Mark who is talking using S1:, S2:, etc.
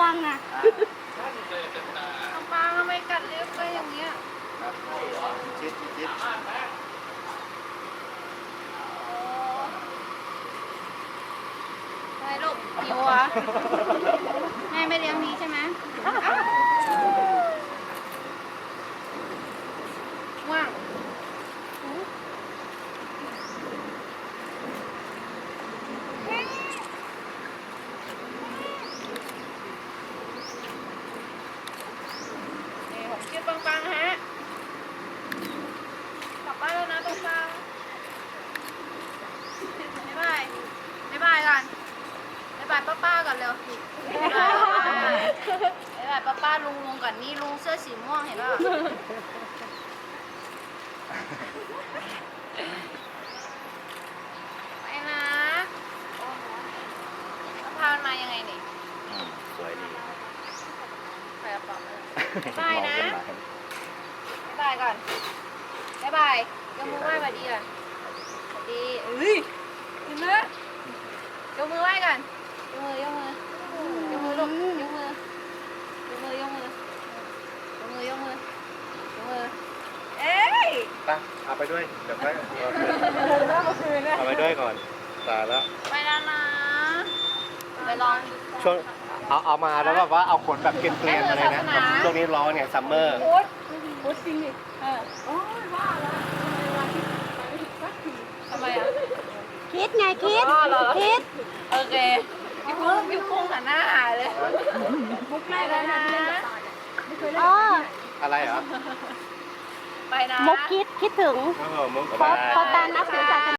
S1: างอ่ะ
S2: น้องปางทำไมกัดเล็บไปอย่างเงี้ย
S3: ชิด
S2: อะไรลูกหิวเหรอแม่ไม่เลี้ยงนี้ใช่ไหมว่างนี่ผมชื่อปังฮะกลับบ้านแล้วนะปังบ๊ายบายบ๊ายบายก่อนบ๊ายบายป้าก่อนเร็วบ๊ายบายป้าลุงก่อนนี่ลุงเสื้อสีม่วงเห็นป่ะไปนะแล้วพามันมายังไงนี่
S3: สวยดี
S2: ไปกระเป๋ามาบ๊ายบายนะบ๊ายบายก่อนบ๊ายบายยกมือไหว้สวัสดีก่อนสวัสดีเอ้ยเห็นไหมยกมือไหว้ก่อนยกมือยกมือลูกยกมือเอ้ย
S3: ไปเอาไปด้วยเดี๋ยวไปเอาไปด้วยก่อนตายแล้ว
S2: ไปแล้วนะไปลอง
S3: ช่วงเอามาแล้วแบบว่าเอาขนแบบเกลียนๆมาเลยนะช่วงนี้ร้อนไงซัมเมอร์
S2: โอ๊ตจริงดิทำไมอ่ะ
S1: คิดไงคิด คิด
S2: โอเคพี่พุ่งหันหน้าหายเลยมุกไม่แล้วนะ
S1: อ๋อ
S3: อะไรเหรอ
S2: ไปนะ
S1: มุกคิดถึง
S3: มุก
S1: เพราะการนับถือศาสนา